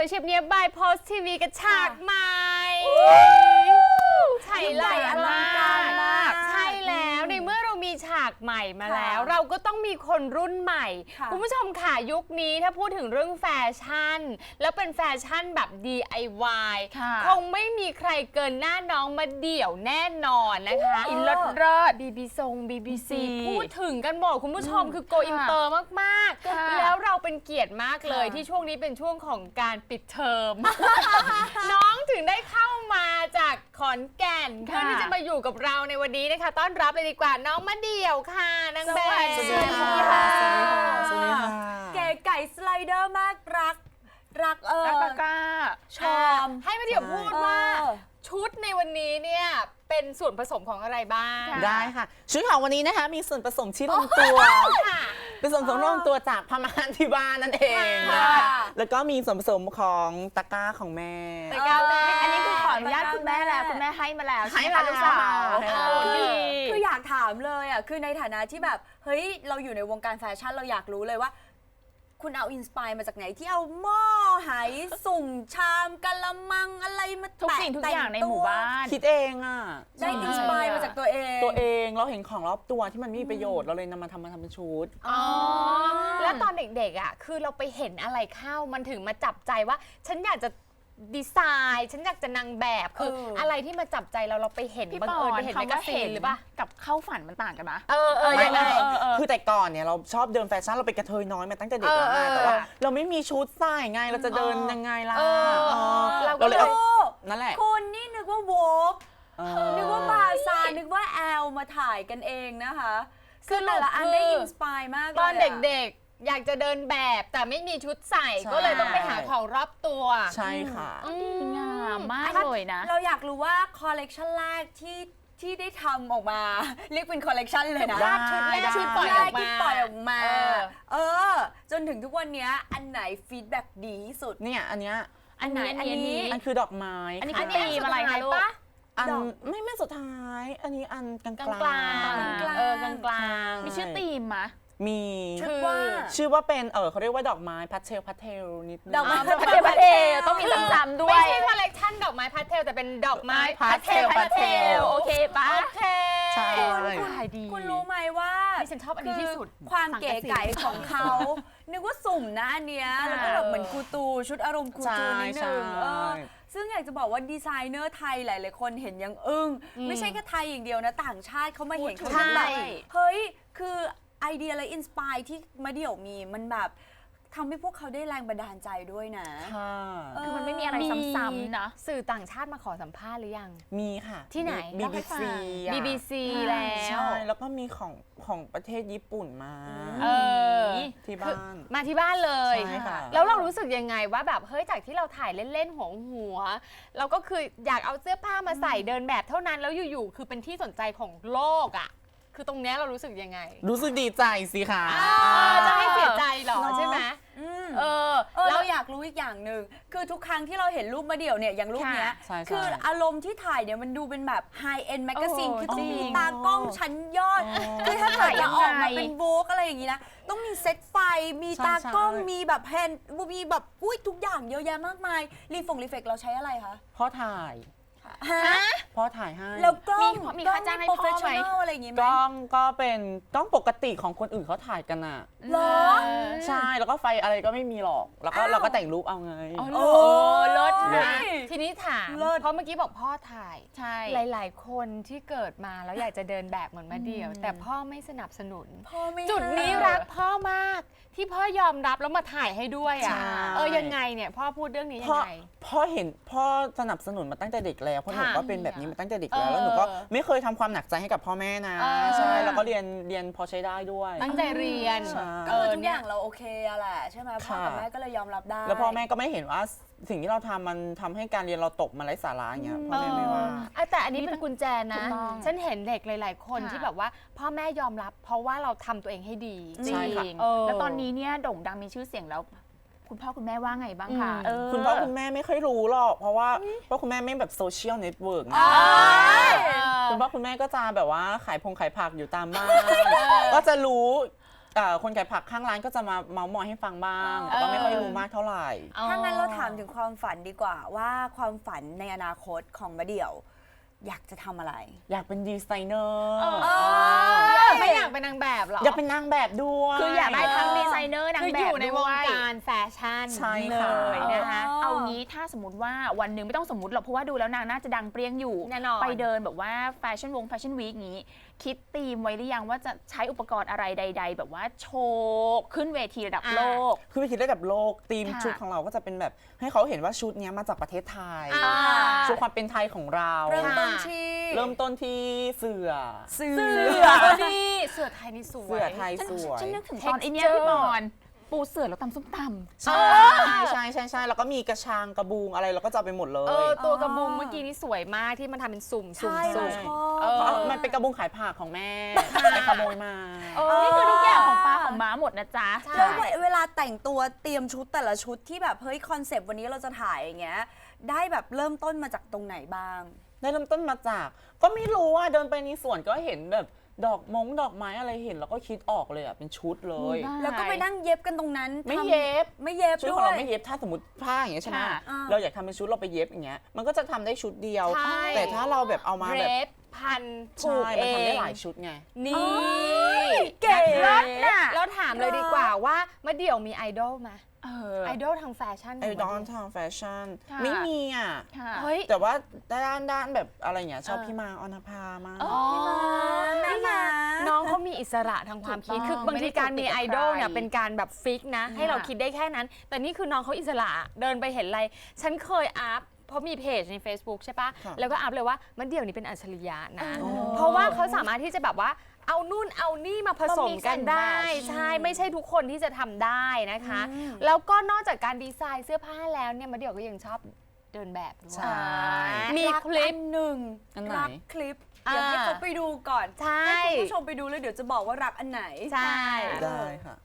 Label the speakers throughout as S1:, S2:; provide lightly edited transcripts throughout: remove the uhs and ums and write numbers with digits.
S1: วยเฉียบเนียบบายโพสทีวีกับฉากใหม่ใช่เลยอลังการมากใช่แล้วในเมื่อเรามีฉากใหม่มาแล้วเราก็ต้องมีคนรุ่นใหม่คุณผู้ชมค่ะยุคนี้ถ้าพูดถึงเรื่องแฟชั่นแล้วเป็นแฟชั่นแบบ DIY คงไม่มีใครเกินหน้าน้องมาเดี่ยวแน่นอนนะคะอินเลิศBBC พูดถึงกันหมดคุณผู้ชมคือโกอินเตอร์มากๆแล้วเราเป็นเกียรติมากเลยที่ช่วงนี้เป็นช่วงของการปิดเทอม น้องถึงได้เข้ามาจากขอนแก่นเพื่อที่จะมาอยู่กับเราในวันนี้นะคะต้อนรับเลยดีกว่าน้องมะเดี่ยวค่ะนางแบบ
S2: สวัสดีค่ะ
S3: สวัสดีค่ะ
S2: เก๋ไก่สไลเดอร์มากรัก
S1: กล้า
S2: ชอม
S1: ให้มะเดี่ยวพูดว่าชุดในวันนี้เนี่ยเป็นส่วนผสมของอะไรบ้าง
S3: ได้ค่ะชุดของวันนี้นะคะมีส่วนผสมที่ลงตัวเป็นส่วนผสมที่ลงตัวจากพม่านที่บ้านนั่นเองแล้วก็มีส่วนผสมของตะกร้าของแม่
S1: ตะกร้าแม่
S2: อันนี้คือขออนุญาตคุณแม่แล้วคุณแม่ให้มาแล้ว
S3: ให้มาลูกสาว
S2: คืออยากถามเลยอ่ะคือในฐานะที่แบบเฮ้ยเราอยู่ในวงการแฟชั่นเราอยากรู้เลยว่าคุณเอาอินสปายมาจากไหนที่เอาหม้อไหสุ่มชามกะละมังอะไรมา
S1: ทุกสิ่งทุกอย่างในหมู่บ้าน
S3: คิดเองอ่ะ
S2: ได้อินสปายมาจากตัวเอง
S3: เราเห็นของรอบตัวที่มันมีประโยชน์เราเลยนำมาทำเป็นชุด
S1: แล้วตอนเด็กๆอ่ะคือเราไปเห็นอะไรเข้ามันถึงมาจับใจว่าฉันอยากจะดีไซน์ฉันอยากจะนางแบบคืออะไรที่มาจับใจเราไปเห็นบังเอิญไปเห็นแมกกาซีนหรือป่ะ
S4: กับเข้าฝันมันต่างกันนะ
S3: ยังไงคือแต่ก่อนเนี่ยเราชอบเดินแฟชั่นเราเป็นกระเทยน้อยมาตั้งแต่เด็กแล้วนะแต่ว่าเราไม่มีชุดใส่ไงเราจะเดินยังไงล่ะ
S2: เราเลย
S3: นั่นแหละ
S2: คุณนี่นึกว่าโวกนึกว่าบาซานึกว่าแอลมาถ่ายกันเองนะคะคือแต่ละอันได้อินสปายมากเลย
S1: ตอนเด็กๆอยากจะเดินแบบแต่ไม่มีชุดใส่ก็เลยต้องไปหาของรอบตัว
S3: ใช่ค่ะ
S4: ดีงามมากเลยนะ
S2: เราอยากรู้ว่าคอลเลกชันแรกที่ได้ทำออกมาเรียกเป็นคอลเลกชันเลยนะ
S1: ชุดแรก
S2: ชุดปล่อยออกมาจนถึงทุกวันนี้อันไหนฟีดแบ็กดีที่สุด
S3: เนี่ยอันเนี้ย
S2: อันไหนอันนี้
S3: อันคือดอกไม้
S4: อันนี้คือตีมอะไรคะลูก
S3: อันไม่สุดท้ายอันนี้อันกลาง
S1: กลาง
S4: มีชื่อตีมมะ
S3: มีชื่อว่าเป็นเขาเรียกว่าดอกไม้พาสเทลนิดนึง
S2: ดอกไม้พาสเทล
S4: ต้องมีซ้ำๆด้วย
S1: ไม่ใช่คอลเลกชันดอกไม้พาสเทลแต่เป็นดอกไม้พาสเทล
S4: โอเคปะ
S1: โอเค
S3: ใช่
S2: คุณรู้ไหมว่า
S1: ที่ฉันชอบอันนี้ที่สุด
S2: ความเก๋ไก๋ของเขานึกว่าสุ่มนะอันเนี้ยแล้วก็แบบเหมือนกูตูชุดอารมณ์กูตูนิดนึงซึ่งอยากจะบอกว่าดีไซเนอร์ไทยหลายๆคนเห็นยังอึ้งไม่ใช่แค่ไทยอย่างเดียวนะต่างชาติเขามาเห็นเขาแบบเฮ้ยคือไอเดียและอินสปายที่มะเดี่ยวมีมันแบบทำให้พวกเขาได้แรงบันดาลใจด้วยนะ
S4: คือมันไม่มีอะไรซ้ำๆนะ
S1: สื่อต่างชาติมาขอสัมภาษณ์หรือยัง
S3: มีค่ะ
S1: ที่ไหน BBC แล้ว
S3: ใช่แล้วก็มีของประเทศญี่ปุ่นมาที่บ้าน
S1: มาที่บ้านเลยแล้วเรารู้สึกยังไงว่าแบบเฮ้ยจากที่เราถ่ายเล่นๆหัวเราก็คืออยากเอาเสื้อผ้ามาใส่เดินแบบเท่านั้นแล้วอยู่ๆคือเป็นที่สนใจของโลกอ่ะคือตรงนี้เรารู้สึกยังไง
S3: รู้สึกดีใจสิค่ะ
S1: จะให้เสียใจหรอใช่ไหม
S2: เราอยากรู้อีกอย่างหนึ่งคือทุกครั้งที่เราเห็นรูปมะเดี่ยวเนี่ยอย่างรูปเนี้ยคืออารมณ์ที่ถ่ายเนี่ยมันดูเป็นแบบไฮเอ็นด์แมกกาซีนคือต้องมีตากล้องชั้นยอดคือถ้าถ่ายจะออกมาเป็นโวกอะไรอย่างนี้นะต้องมีเซตไฟมีตากล้องมีแบบแฮนด์มีแบบทุกอย่างเยอะแยะมากมายรีเฟกเราใช้อะไรคะ
S3: พ่อถ่ายพ่อถ่ายให้
S2: แล้วกล้อง
S4: มีค่าจ้างให้พ่อไหม
S2: อะไรอย่างงี้ไหม
S3: กล้องก็เป็นกล้องปกติของคนอื่นเขาถ่ายกันอ่ะ
S2: เหรอ
S3: ใช่แล้วก็ไฟอะไรก็ไม่มีหรอกแล้วก็เราก็แต่งรูปเอาไง
S1: เลิศนะทีนี้ถามเพราะเมื่อกี้บอกพ่อถ่าย
S4: ใช่
S1: หลายๆคนที่เกิดมาแล้วอยากจะเดินแบบเหมือนมะเดี่ยวแต่พ่อไม่สนับสนุนจุดนี้รักพ่อมากที่พ่อยอมรับแล้วมาถ่ายให้ด้วยอ่ะยังไงเนี่ยพ่อพูดเรื่องนี้ยังไง
S3: พ่อสนับสนุนมาตั้งแต่เด็กแล้วเพราะหนูก็เป็นแบบนี้มาตั้งแต่เด็กแล้วหนูก็ไม่เคยทำความหนักใจให้กับพ่อแม่นะใช่แล้วก็เรียนพอใช้ได้ด้วย
S1: ตั้งใจเรียน
S2: ก็ทุกอย่างเราโอเคแหละใช่ไหมพ่อกับแม่ก็เลยยอมรับได้
S3: แล้วพ่อแม่ก็ไม่เห็นว่าสิ่งที่เราทำมันทำให้การเรียนเราตกมาไร้สาระอย่างเงี้ยพ่อแม่ไม่ว่า
S1: แต่อันนี้เป็นกุญแจนะฉันเห็นเด็กหลายๆคนที่แบบว่าพ่อแม่ยอมรับเพราะว่าเราทำตัวเองให้ดี
S4: จริงแล้วตอนนี้เนี่ยโด่งดังมีชื่อเสียงแล้วคุณพ่อคุณแม่ว่าไงบ้างคะ
S3: คุณพ่อคุณแม่ไม่ค่อยรู้หรอกเพราะว่าคุณแม่ไม่แบบโซเชียลเน็ตเวิร์กคุณพ่อคุณแม่ก็จะแบบว่าขายผักอยู่ตามบ้านก็จะรู้คนขายผักข้างร้านก็จะมาเมาส์มอยให้ฟังบ้างแต่ก็ไม่ค่อยรู้มากเท่าไหร่
S2: ถ้างั้นเราถามถึงความฝันดีกว่าว่าความฝันในอนาคตของมะเดี่ยวอยากจะทำอะไร
S3: อยากเป็นดีไซเนอร์
S1: ไม่อยากเป็นนางแบบหรอ
S3: อยากเป็นนางแบบด้วย
S4: คืออยากได้ทั้งดีไซเนอร์นาง
S1: คือ
S4: แบ
S1: อบ ยู่ในวง
S4: ด้วย
S1: การแฟชั่น
S3: ใช่
S1: เล
S3: ค่ะ
S1: ยนะคะ
S4: เอางี้ถ้าสมมติว่าวันหนึ่งไม่ต้องสมมติหรอกเพราะว่าดูแล้วนางน่าจะดังเปรี้ยงอยู่
S1: แน่นอน
S4: ไปเดินแบบว่าแฟชั่นวีคนี้ คิดธีมไว้หรือยังว่าจะใช้อุปกรณ์อะไรใด ๆ แบบว่าโชว์ขึ้นเวทีระดับโลก
S3: คือไปคิดระดับโลกธีม
S4: ค่ะ
S3: ชุดของเราก็จะเป็นแบบให้เขาเห็นว่าชุดเนี้ยมาจากประเทศไทย ชุดความเป็นไทยของเรา
S2: เริ่มต้นที่
S3: เริ่มต้นที่เสือ
S1: นี่เสือไทยนี่สวย
S3: เสือไทยสวย
S4: ฉันนึกถึงตอนไอเนี้ยพี่บอลปูเสือแล้วตำส้มตำ
S3: ใช่ใช่แล้วก็มีกระชางกระบุงอะไรเราก็จะเอาไปหมดเลย
S1: ตัวกระบุงเมื่อกี้นี่สวยมากที่มันทำเป็นสุ่ม
S2: ใช่
S1: สุ่
S2: เรา
S1: ม
S2: ช
S1: เอ
S2: อบ
S1: อ
S3: มันเป็นกระบุงขายผักของแม่ไปขโมยมา
S4: นี่คือทุกอย่างของป้าของม้าหมดนะจ๊ะ
S2: แล้วเวลาแต่งตัวเตรียมชุดแต่ละชุดที่แบบเฮ้ยคอนเซปต์วันนี้เราจะถ่ายอย่างเงี้ยได้แบบเริ่มต้นมาจากตรงไหนบ้าง
S3: ได้เริ่มต้นมาจาก ก็ไม่รู้ว่าเดินไปในสวนก็เห็นแบบดอกไม้อะไรเห็นแล้วก็คิดออกเลยอ่ะเป็นชุดเลย
S4: ได้
S2: แล้วก็ไปนั่งเย็บกันตรงนั้น
S3: ไม่
S2: ทำ
S3: เย็บ
S2: ไม่เย็บ
S3: ชุด
S2: ด้
S3: ข
S2: ว
S3: องเรา
S2: ย
S3: ไม่เย็บถ้าสมมติผ้าอย่างเงี้ยใช่ไหม
S4: ค่ะ
S3: เราอยากทำเป็นชุดเราไปเย็บอย่างเงี้ยมันก็จะทำได้ชุดเดียว
S1: ใช่
S3: แต่ถ้าเราแบบเอามา
S1: เร
S3: แบบ
S1: ฟพันผู
S3: ใช่
S1: กเอ
S3: มันทำได้
S1: ง
S3: หลายชุดไง
S1: นี่
S2: เก๋
S1: นะคะ
S2: น่ะ
S1: แล้วถามเลยดีกว่าว่ามะเดี่ยวมีไอดอลไหม
S4: ไอ
S1: ไอดอลทางแฟชั่น
S3: ไอดอลทางแฟชั่น
S4: ค่ะ
S3: ไม่มีอ่ะ
S4: ค่ะ
S1: เฮ้ย
S3: แต่ว่าด้านแบบอะไรเงี้ยชอบพี่มาออนภามาก
S1: อ๋อ
S2: พี่ม้า
S1: น้องเขามีอิสระทางความคิด
S4: ถูกต้อง
S1: คือบางทีการมี
S4: ไม่
S1: ไอ
S4: ได้
S1: ดอล
S4: ถูกติดกับ
S1: เนี่ย
S4: ใคร
S1: เป็นการแบบฟิกนะ ให้เราคิดได้แค่นั้น แต่นี่คือน้องเขาอิสระเดินไปเห็นอะไร ฉันเคยอัพเพราะมีเพจใน Facebook ใช่ปะ
S3: ค่ะ
S1: แล้วก็อัพเลยว่ามันเดี่ยวนี้เป็นอัจฉริยะนะ
S3: อ๋อ
S1: เพราะว่าเขาสามารถที่จะแบบว่าเอานู่นเอานี่มาผสมกันได้ ใช่ไม่ใช่ทุกคนที่จะทำได้นะคะ แล้วก็นอกจากการดีไซน์เสื้อผ้าแล้วเนี่ยมะเดี่ยวก็ยังชอบเดินแบบด้วย
S3: ใช่
S1: มีคลิป
S2: หนึ่ง
S3: อันไหน
S2: รักคลิปเดี๋ยวให้เขาไปดูก่อน
S1: ใช่
S2: ให้คุณผู้ชมไปดูแล้วเดี๋ยวจะบอกว่ารักอันไหน
S1: ใช่
S3: ได้ค่ะ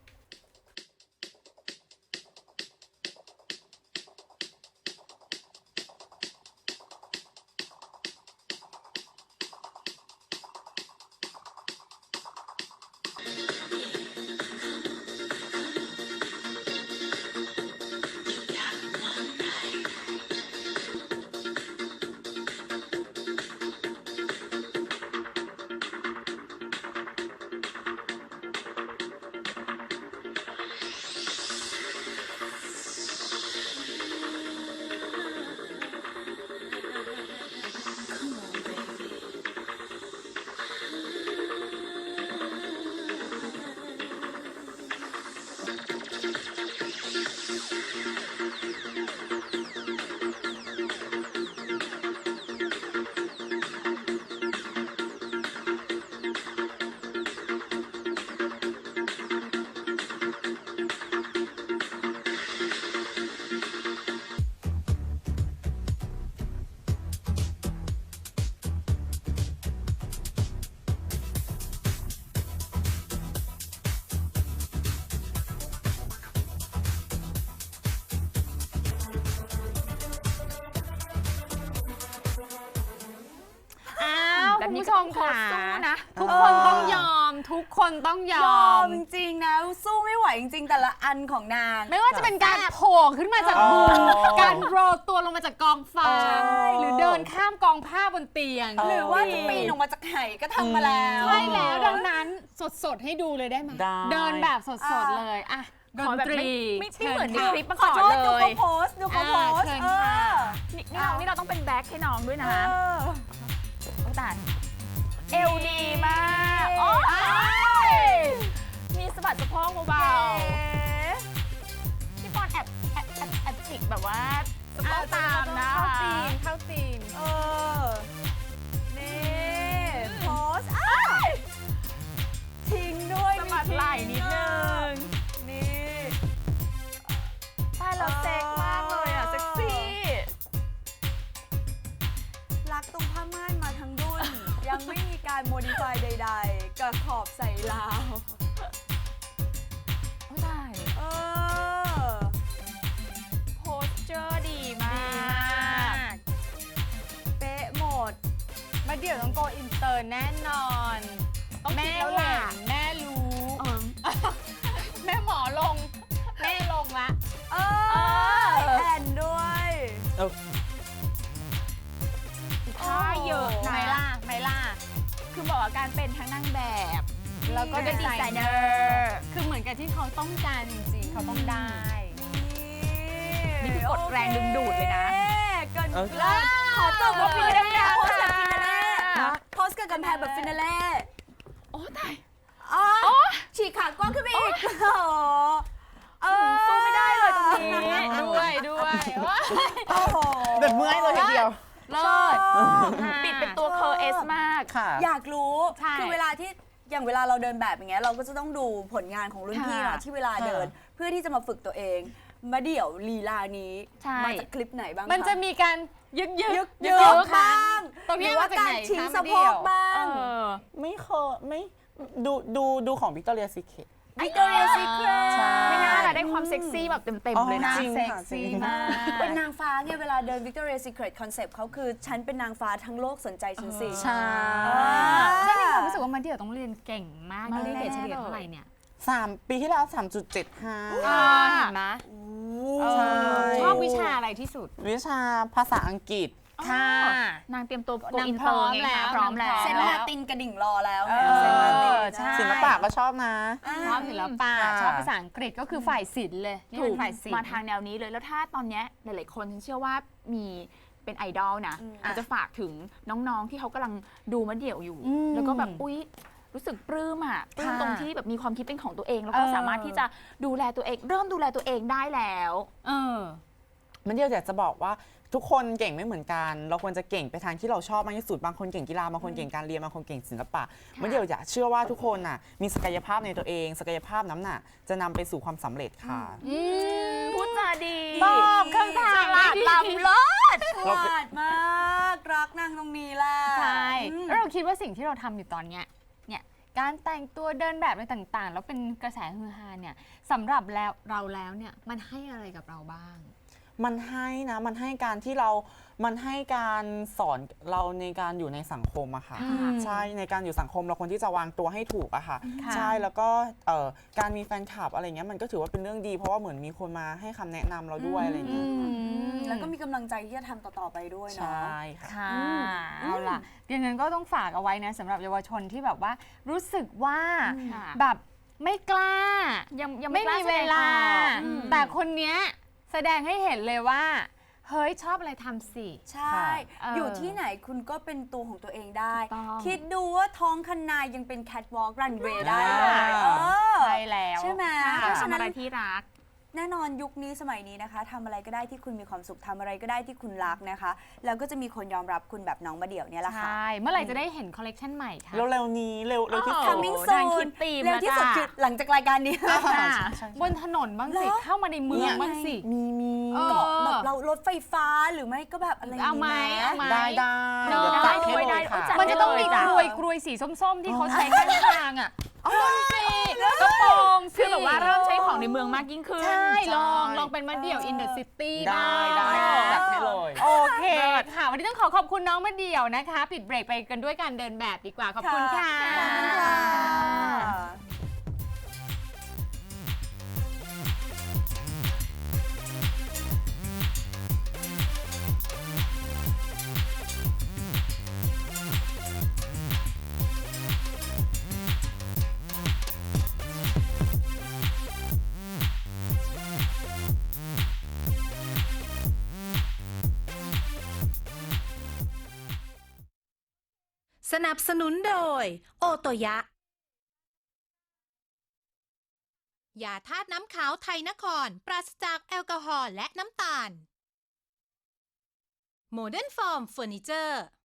S1: อ้าว
S4: แบบ
S1: คุณ
S4: นี้
S1: ผู้
S4: ก็
S1: ช
S4: ต้อ
S1: ม
S4: งขอ
S1: ค่ะ
S4: สู้นะ
S1: ทุกคนต้องยอม ทุกคนต้องย
S2: ย
S1: อ
S2: อ
S1: ม
S2: มจริงนะสู้ไม่ไหวจริงๆแต่ละอันของนาง
S1: ไม่ว่าจะเป็นการโผล่ขึ้นมาจากมุมการโรลตัวลงมาจากกองฟาง
S2: ใช่
S1: หรือเดินข้ามกองผ้าบนเตียง
S2: หรือว่าจะปีนออกมาจากไหก็ทำมาแล้ว
S1: ใช่แล้วดังนั้นสดๆให้ดูเลยได้ไหม
S3: ได้
S1: เดินแบบสดๆเลยอ่ะด
S4: ขอน แบบ
S1: ตรี
S4: ไม่เหมือนใน
S1: ชิญ
S4: คลิปมา
S2: ข
S4: ก่
S2: อ
S4: อน
S2: โทษดู
S4: เล
S2: เขา
S4: ย
S2: โพสต์ดูเขาโพสต์
S1: เชิญค่ะ
S4: นี่เราต้องเป็นแบ็คให้น้องด้วยนะ
S2: เออ
S4: โอ้ตายเอวดีมากโอ้ยมีสะบัดสะโพกเบาๆพี่ปอนแอบจิกแบบว่าสะโพกตามนะ
S1: เข้าตีน
S2: เออ นี่โพสต์อ้ายทิ้งด้วย
S4: สะบัดไหล่นิดนึง
S2: นี่
S4: ใช่แล้วเซ็กมากเลยอ่ะ เซ็กซี่
S2: รักตรงผ้าม่านมาทั้งดุน ยังไม่มีการโมดิฟายใดๆกับขอบใส่ลาว
S4: โอ้ตาย
S2: เออ
S4: โพสเจอร์ดีมาก
S2: เป๊ะหมด
S1: มาเดี๋ยวต้องโกอินเตอร์แน่นอน
S4: ต้องคิ
S1: แม่
S4: ดแล้วแห
S1: เห็
S4: ละ
S1: นแม่รู้
S4: เออแล้วก็ดีไซเนอร์
S1: คือเหมือนกับที่เขาต้องการจริงๆเขาต้องได้
S4: นี่คือกดแรงดึงดูดเลยนะ
S2: เกิน
S3: เออ
S2: เลิศขอจบกับฟินาเล่
S4: ค่ะ
S2: โพสกับฟินาเล่โพสกับกำแพงแบบฟินาเล่
S4: โอ้ตาย
S2: อ๋อฉีกขากว้างขึ้นไปอีกโอ้โห
S4: สู้ไม่ได้เลยตรงนี้
S1: ด้วยว้าย
S2: โอ้โห
S3: แบบเมื่อยเลยทีเดียว
S1: เลิศ
S4: ปิดเป็นตัวเคอร์เอสมาก
S3: ค่ะ
S2: อยากรู้
S1: ใช่
S2: คือเวลาที่อย่างเวลาเราเดินแบบอย่างเงี้ยเราก็จะต้องดูผลงานของรุ่นพี่
S4: ค่ะ
S2: เนาะที่เวลาเดิน เพื่อที่จะมาฝึกตัวเองมาเดี่ยวลีลานี้
S4: ใช่
S2: มาจากคลิปไหนบ้างค
S1: มันจะมีการยึก
S2: ยึก
S1: ๆ
S2: ยึกบ้าง
S1: ตรง
S2: ห
S1: นี้
S2: รือว่า
S1: มาจาก
S2: การ
S1: ไหน
S2: ชิง
S1: คะ
S2: สะ
S1: มา
S2: โพ
S1: เดี่ย
S2: ก
S1: ว
S2: บ้าง
S3: ไม่เคยไม่ดูของวิกตอเรียซีเคท
S2: Victoria's Secret
S3: ใช่
S4: ไม่น่าละได้ความเซ็กซี่แบบเต็มๆเลยนะ
S3: จริง
S1: เซ็ก
S3: ค่ะ
S1: ซี่
S3: จริง
S1: มาก
S2: เป็นนางฟ้าไงเวลาเดิน Victoria's Secret Concept เขาคือฉันเป็นนางฟ้าทั้งโลกสนใจฉันสิ
S3: ใช่
S1: ฉันมีความรู้สึกว่ามาเดี่ยวต้องเรียนเก่งมาก
S4: มาก
S1: ได้เกรดเฉลี่ย
S4: แน่ๆ
S1: เท่าไหร่เนี่ย
S3: ปีที่แล้ว 3.75
S1: เห็นไหม
S3: ใช่
S1: ชอบวิชาอะไรที่สุด
S3: วิชาภาษาอังกฤษ
S1: ค่ะ
S4: นางเตรียมตัวโก
S1: นาง
S4: อิน
S1: พ
S4: เต
S1: ร้
S4: อ
S1: อ
S4: ร์
S1: ม
S4: ไง
S1: แล้ว
S4: คะพร้อมแล้ว
S2: เซนลาตินกระดิ่งรอแล้วไง
S3: เซนลาติน
S1: ใช่
S3: ศิลปะก็ชอบนะ
S1: ชอบศิลปะ
S3: ค่ะ
S1: ชอบภาษาอังกฤษก็คือฝ่ายศิลป์เลยนี่
S4: ถู
S1: เป็
S4: ก
S1: นฝ่ายศิลป์
S4: มาทางแนวนี้เลยแล้วถ้าตอนเนี้ยหลายๆคนฉันเชื่อว่ามีเป็นไอดอลนะมันจะฝากถึงน้องๆที่เขากำลังดูมะเดี่ยวอยู่ แล้วก็แบบอุ๊ยรู้สึกปลื้มอ่ะปลื้มตรงที่แบบมีความคิดเป็นของตัวเอง แล้วก็สามารถที่จะดูแลตัวเอง เริ่มดูแลตัวเองได้แล้ว
S3: มันเดียวอยากจะบอกว่าทุกคนเก่งไม่เหมือนกัน เราควรจะเก่งไปทางที่เราชอบมากที่สุด บางคนเก่งกีฬา บางคนเก่งการเรียน บางคนเก่งศิลปะมันเดียวอยากเชื่อว่าทุกคนน่ะมีศักยภาพในตัวเอง ศักยภาพนั้นน่ะจะนำไปสู่ความสำเร็จค่ะ
S4: พูดจาดี
S1: ตอบคำถาม
S4: ฉลาดล้ำเลิศ
S2: ฉลาดมากรักนางตรงนี้แหละ
S1: ใช่
S2: อืม
S1: แล้วเราคิดว่าสิ่งที่เราทำอยู่ตอนเนี้ยการแต่งตัวเดินแบบอะไรต่างๆ แล้วเป็นกระแสฮือฮาเนี่ยสำหรับเราแล้วเนี่ยมันให้อะไรกับเราบ้าง
S3: มันให้นะ มันให้การที่เรา มันให้การสอนเราในการอยู่ในสังคมอะค่ะ ใช่ ในการอยู่สังคมเราควรที่จะวางตัวให้ถูกอะค่ะ
S1: ค่ะ
S3: ใช่ แล้วก็การมีแฟนคลับอะไรเงี้ย มันก็ถือว่าเป็นเรื่องดี เพราะว่าเหมือนมีคนมาให้คำแนะนำเราด้วยอะไรเงี้ย
S2: แล้วก็มีกำลังใจที่จะทำต่อๆไปด้วย
S3: ใช
S2: เนาะ
S3: ่ค่ะ
S1: ค่ะเอาล่ะอย่างนั้นก็ต้องฝากเอาไว้นะสำหรับเยาวชนที่แบบว่ารู้สึกว่า
S4: ค่ะ
S1: แบบไม่กล้า
S4: ยัง
S1: ไม่
S4: กล้
S1: มี
S4: แส
S1: เว
S4: ดง
S1: ลา
S4: ออก
S1: แต่คนเนี้ยแสดงให้เห็นเลยว่า เฮ้ยชอบอะไรทำสิ
S2: ใช่ อยู่ที่ไหนคุณก็เป็นตัวของตัวเองได้
S4: ถูกต้อง
S2: คิดดูว่าท้องคันนายังเป็นแคทวอล์กรันเวย์ได้เลย
S1: ใช่แล้ว
S2: ใช่ไหม
S1: ค่ะ
S2: เพราะฉะ
S4: ทำ
S2: นั้
S4: อะไร
S2: น
S4: ที่รัก
S2: แน่นอนยุคนี้สมัยนี้นะคะทำอะไรก็ได้ที่คุณมีความสุขทำอะไรก็ได้ที่คุณรักนะคะ แล้วก็จะมีคนยอมรับคุณแบบน้องมาเดี่ยวเนี่ยแหละค่ะ
S1: ใช่ เมื่อไหร่จะได้เห็นคอลเลกชันใหม่คะ
S3: เร็วๆนี้ เร็วที่สุด
S2: coming
S4: นางคิ
S2: soon
S4: ดธีม
S2: เร็วที่สุด
S4: แล้วจ้ะ
S2: คือหลังจากรายการนี้
S1: ค่ะ
S3: ใช่
S1: บนถนนบ้างสิ
S2: เหรอ
S1: เข้ามาในเมืองบ้างสิ
S3: มี
S1: เออ
S2: เกาะแบบเรารถไฟฟ้าหรือไม่ก็แบบอะไรย่ง
S1: เอาไหม
S2: นี้
S1: เอาไหม
S3: ได้
S1: เนอะ
S3: เดี๋ยวจัดให้เลย
S4: ได้
S3: ค่ะ
S4: จัด
S1: มันจะต้องมี
S4: ได้เลยจ้ะ
S1: กรวยสีส้มๆ ที่เขาใช้ข้างทางอ่ะสิกระโปรงสิ
S4: คือแบบว่าเริ่มใช้ของในเมืองมากยิ่งขึ้น
S1: ใช่ ลองเป็นมาเดี่ยว in the city
S3: ได้ได้
S1: บ้าง
S3: จัดให้เลย
S1: โอเคค่ะ วันนี้ต้องขอบคุณน้องมาเดี่ยวนะคะ ปิดเบรกไปกันด้วยการเดินแบบดีกว่า ขอบคุณค่ะ
S2: ขอบคุณค่ะ
S5: สนับสนุนโดย โอโตยะ ยาธาตุน้ำขาวไทยนคร ปราศจากแอลกอฮอล์และน้ำตาล โมเดิร์นฟอร์มเฟอร์นิเจอร์